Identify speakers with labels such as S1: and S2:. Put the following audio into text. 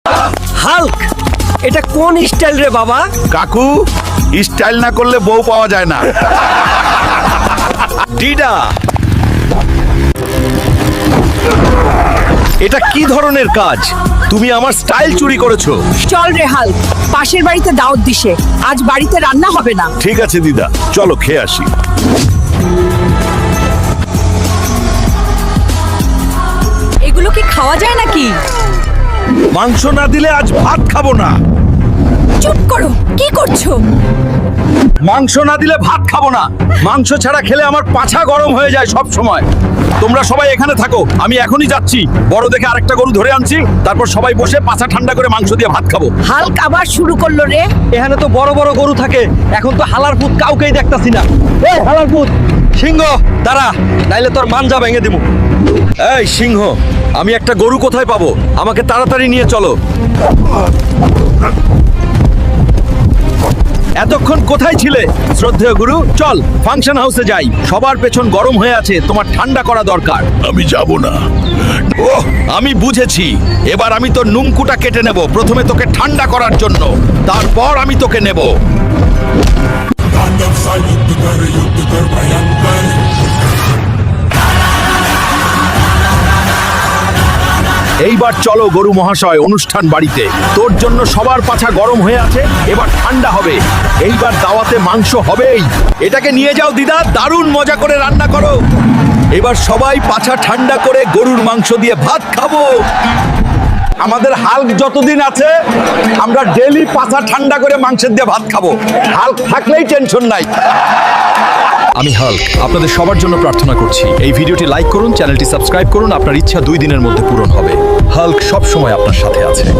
S1: Hulk, এটা কোন style রে বাবা?
S2: কাকু, স্টাইল না করলে বউ পাওয়া যায় না।
S1: ডিডা, এটা কি ধরনের কাজ? তুমি আমার স্টাইল চুরি করেছো।
S3: চল রে হাল্ক, পাশের বাড়িতে দাওয়াত দিছে, আজ বাড়িতে রান্না হবে না।
S2: ঠিক আছে দিদা, চলো খেয়ে আসি।
S3: এগুলো কি খাওয়া যায় নাকি?
S2: মাংস না দিলে আজ ভাত খাবো না।
S3: চুপ করো, কি করছো?
S1: মাংস না দিলে ভাত খাবো না। মাংস ছাড়া খেলে আমার পাছা গরম হয়ে যায় সব সময়। তোমরা সবাই এখানে থাকো, আমি এখনই যাচ্ছি। বড় দেখে আরেকটা গরু ধরে আনছি, তারপর সবাই বসে পাছা ঠান্ডা করে মাংস দিয়ে ভাত খাবো।
S3: হাল্ক আবার শুরু করলো রে।
S1: এখানে তো বড় বড় গরু থাকে, এখন তো হালার পুত কাউকেই দেখতাছি না। এই হালার পুত, সিংহ দাঁড়া, নাইলে তোর মানজা ভেঙে দিব। এই সিংহ, আমি একটা গরু কোথায় পাবো? আমাকে তাড়াতাড়ি নিয়ে চলো। এতক্ষণ কোথায় ছিলে শ্রদ্ধেয় গুরু? চল ফাংশন হাউসে যাই। সবার পেছন গরম হয়ে আছে, তোমার ঠান্ডা করা দরকার।
S2: আমি যাব না।
S1: ওহ, আমি বুঝেছি। এবার আমি তোর নুমকুটা কেটে নেব, প্রথমে তোকে ঠান্ডা করার জন্য, তারপর আমি তোকে নেব। এইবার চলো গরু মহাশয়, অনুষ্ঠান বাড়িতে। তোর জন্য সবার পাছা গরম হয়ে আছে, এবার ঠান্ডা হবে। এইবার দাওয়াতে মাংস হবেই। এটাকে নিয়ে যাও দিদা, দারুণ মজা করে রান্না করো। এবার সবাই পাছা ঠান্ডা করে গরুর মাংস দিয়ে ভাত খাবো। আমাদের হাল্ক যতদিন আছে, আমরা ডেলি পাছা ঠান্ডা করে মাংসের দিয়ে ভাত খাবো। হাল্ক থাকলেই টেনশন নাই। আমি হাল্ক আপনাদের সবার জন্য প্রার্থনা করছি, এই ভিডিওটি লাইক করুন, চ্যানেলটি সাবস্ক্রাইব করুন। আপনার ইচ্ছা 2 দিনের মধ্যে পূরণ হবে। হাল্ক সব সময় আপনার সাথে আছে।